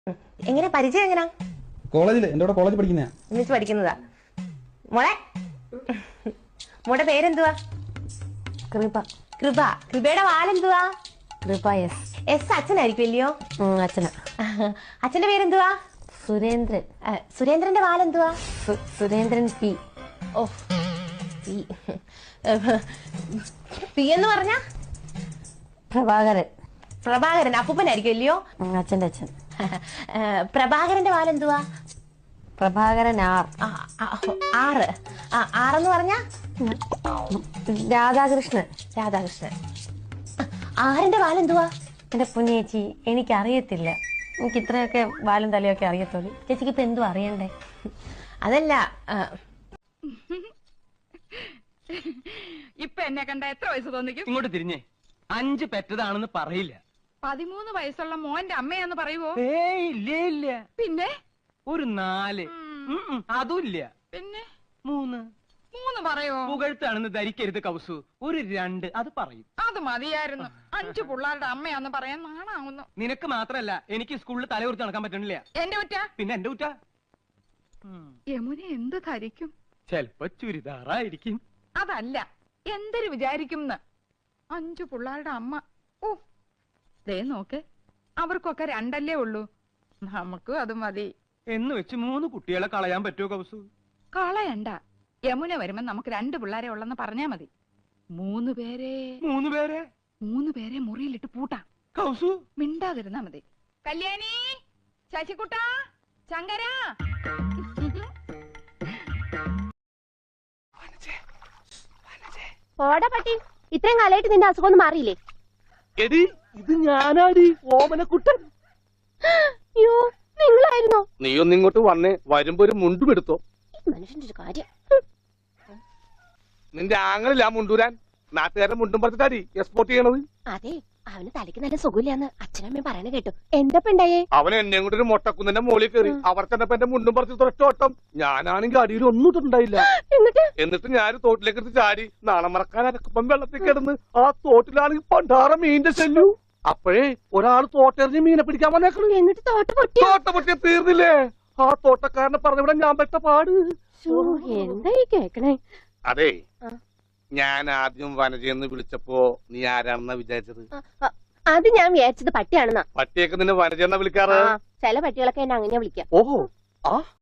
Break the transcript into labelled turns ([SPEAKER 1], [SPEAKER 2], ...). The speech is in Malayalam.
[SPEAKER 1] എങ്ങനെ പരിചയം എങ്ങനാ?
[SPEAKER 2] കോളേജില് എന്റെ കൂടെ കോളേജ് പഠിക്കുന്ന
[SPEAKER 1] ഒന്നിച്ച് പഠിക്കുന്നതാ. മോളെ മോടെ പേരെന്തുവാ?
[SPEAKER 3] കൃപ.
[SPEAKER 1] കൃപ. കൃപയുടെ വാലെന്തുവാ?
[SPEAKER 3] കൃപ എസ്.
[SPEAKER 1] എസ് അച്ഛനായിരിക്കും അല്ലയോ?
[SPEAKER 3] അച്ഛന.
[SPEAKER 1] അച്ഛന്റെ പേരെന്തുവാ?
[SPEAKER 3] സുരേന്ദ്രൻ.
[SPEAKER 1] സുരേന്ദ്രന്റെ വാലെന്തുവാ?
[SPEAKER 3] സുരേന്ദ്രൻ പി.
[SPEAKER 1] ഓ പി. പി എന്ന് പറഞ്ഞ
[SPEAKER 3] പ്രഭാകരൻ.
[SPEAKER 1] പ്രഭാകരൻ അപ്പൂപ്പനായിരിക്കും അല്ലയോ?
[SPEAKER 3] അച്ഛന്റെ അച്ഛൻ.
[SPEAKER 1] പ്രഭാകരന്റെ വാലെന്തുവാ?
[SPEAKER 3] പ്രഭാകരൻ ആർ.
[SPEAKER 1] ആറ്. ആറെന്ന് പറഞ്ഞ
[SPEAKER 3] രാധാകൃഷ്ണൻ.
[SPEAKER 1] രാധാകൃഷ്ണൻ. ആറിന്റെ വാലെന്തുവാ?
[SPEAKER 3] എന്റെ പൊന്നേച്ചി എനിക്കറിയത്തില്ല. എനിക്ക് ഇത്രയൊക്കെ വാലും തലയൊക്കെ അറിയത്തുള്ളൂ. ചേച്ചിക്ക് ഇപ്പൊ എന്തും അറിയണ്ടേ?
[SPEAKER 1] അതല്ല,
[SPEAKER 4] ഇപ്പൊ എന്നെ കണ്ട എത്ര വയസ്സ് തോന്നിക്കും?
[SPEAKER 5] ഇങ്ങോട്ട് തിരിഞ്ഞേ. 5 പെറ്റതാണെന്ന് പറയില്ല.
[SPEAKER 4] 13 വയസ്സുള്ള മോന്റെ അമ്മയാന്ന് പറയുവോ?
[SPEAKER 5] ഏയ് ഇല്ല ഇല്ല.
[SPEAKER 4] പിന്നെ
[SPEAKER 5] ഒരു 4. അതുമില്ല.
[SPEAKER 4] പിന്നെ
[SPEAKER 5] 3.
[SPEAKER 4] 3 പറയോ?
[SPEAKER 5] പുകഴ്ത്താണെന്ന് ധരിക്കരുത് കൗസു. ഒരു 2 അത് പറയും.
[SPEAKER 4] അത് മതിയായിരുന്നു. 5 പിള്ളേരുടെ അമ്മയാന്ന് പറയാൻ നാണാവുന്നു.
[SPEAKER 5] നിനക്ക് മാത്രല്ല, എനിക്ക് സ്കൂളിൽ തലകുറിച്ച് നടക്കാൻ പറ്റണില്ല.
[SPEAKER 4] എന്റെ കുറ്റ?
[SPEAKER 5] പിന്നെ എന്റെ കുറ്റ.
[SPEAKER 4] യമുന എന്ത് ധരിക്കും?
[SPEAKER 5] ചെലപ്പോ ചുരിദാറായിരിക്കും.
[SPEAKER 4] അതല്ല, എന്തൊരു വിചാരിക്കും? 5 പിള്ളേരുടെ അമ്മ. ഓ ദേ നോക്ക്, അവർക്കൊക്കെ 2 അല്ലേ ഉള്ളൂ. നമുക്കും അത് മതി
[SPEAKER 5] എന്ന് വെച്ച് 3 കുട്ടികളെ കളയാൻ പറ്റുമോ കൗസു?
[SPEAKER 4] കളയണ്ട. യമുന വരുമ്പോ നമുക്ക് 2 പിള്ളേരെ ഉള്ളെന്ന് പറഞ്ഞാ മതി. 3 പേരെ 3 പേരെ മുറിയിലിട്ട് പൂട്ടാം.
[SPEAKER 5] കൗസു
[SPEAKER 4] മിണ്ടാതിരുന്നാ മതി. കല്യാണി, ശശികുട്ട, ശങ്കര.
[SPEAKER 1] പോടാ പട്ടി. ഇത്രയും കാലമായിട്ട് നിന്റെ അസുഖം ഒന്നും മാറിയില്ലേ?
[SPEAKER 6] എടി ഇത് ഞാനാടി, ഓമനക്കുട്ടൻ.
[SPEAKER 1] അയ്യോ, നിങ്ങളായിരുന്നോ?
[SPEAKER 6] നീ ഒന്നിങ്ങോട്ട് വന്നേ, വരുമ്പോ ഒരു മുണ്ടും എടുത്തോ.
[SPEAKER 1] മനുഷ്യന്റെ ഒരു കാര്യം.
[SPEAKER 6] നിന്റെ ആങ്ങളില്ല മുണ്ടൂരാൻ. നാട്ടുകാരെ മുണ്ടും പറിച്ചിട്ടാടി എക്സ്പോർട്ട് ചെയ്യണത്.
[SPEAKER 1] അതെ, അവന് തലയ്ക്ക് നല്ല സുഖമില്ലാന്ന് അച്ഛനമ്മയും പറയണ കേട്ടു. എന്താ ഉണ്ടായേ?
[SPEAKER 6] അവൻ എന്നെ കൊണ്ട് ഒരു മൊട്ടക്കുന്നിന്റെ മോളിൽ കയറി. അവർ ചെന്നപ്പോ എന്റെ മുണ്ടും പറിച്ച് തൊട്ടോട്ടം. ഞാനാണെങ്കിൽ അടിയിൽ ഒന്നും ഇട്ടിട്ടുണ്ടായില്ല. എന്നിട്ട് ഞാൻ തോട്ടിലേക്ക് എടുത്ത് ചാടി. നാളെ മറക്കാൻ അരക്കപ്പം വെള്ളത്തിൽ കിടന്ന് ആ തോട്ടിലാണെങ്കിൽ പണ്ടാറ മീനിന്റെ ശല്യു. അപ്പോഴേ ഒരാൾ തോട്ടെറിഞ്ഞ് മീനെ പിടിക്കാൻ വന്നേക്കണു.
[SPEAKER 1] എന്നിട്ട്
[SPEAKER 6] തോട്ട പൊട്ടിയ തീർന്നില്ലേ? ആ തോട്ടക്കാരനെ പറഞ്ഞവിടെ ഞാൻ പെട്ട പാട്.
[SPEAKER 1] എന്തായി കേക്കണേ?
[SPEAKER 6] അതെ, ഞാൻ ആദ്യം വനജയെന്ന് വിളിച്ചപ്പോ നീ ആരാണെന്നാ വിചാരിച്ചത്?
[SPEAKER 1] അത് ഞാൻ വിചാരിച്ചത് പട്ടിയാണെന്നാ.
[SPEAKER 6] പട്ടിയൊക്കെ നിന്നെ വനജയെന്നാ വിളിക്കാറ്.
[SPEAKER 1] ചില പട്ടികളൊക്കെ എന്നെ അങ്ങനെ വിളിക്കാം.
[SPEAKER 6] ഓഹോ, ആ